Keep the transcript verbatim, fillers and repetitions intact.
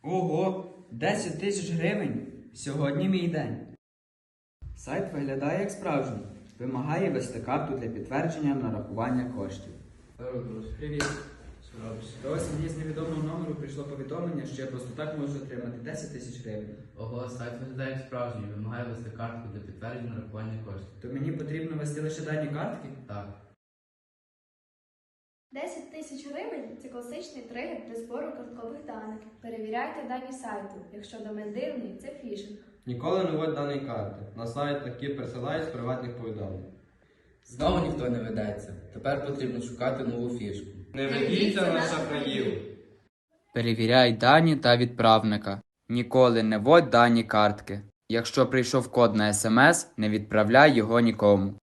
Ого, десять тисяч гривень? Сьогодні мій день. Сайт виглядає як справжній. Вимагає ввести карту для підтвердження нарахування коштів. Привіт. До вас мені з невідомого номеру прийшло повідомлення, що я просто так можу отримати десять тисяч гривень. Ого, сайт виглядає як справжній, вимагає ввести картку для підтвердження нарахування коштів. То мені потрібно ввести лише дані картки? Так. десять тисяч гривень – це класичний тригер для збору карткових даних. Перевіряйте дані сайту. Якщо домен дивний – це фішинг. Ніколи не вводь дані карти. На сайт такі присилають з приватних повідомлень. Знову ніхто не ведеться. Тепер потрібно шукати нову фішку. Не ведіться на шахраїв. Перевіряй дані та відправника. Ніколи не вводь дані картки. Якщо прийшов код на смс, не відправляй його нікому.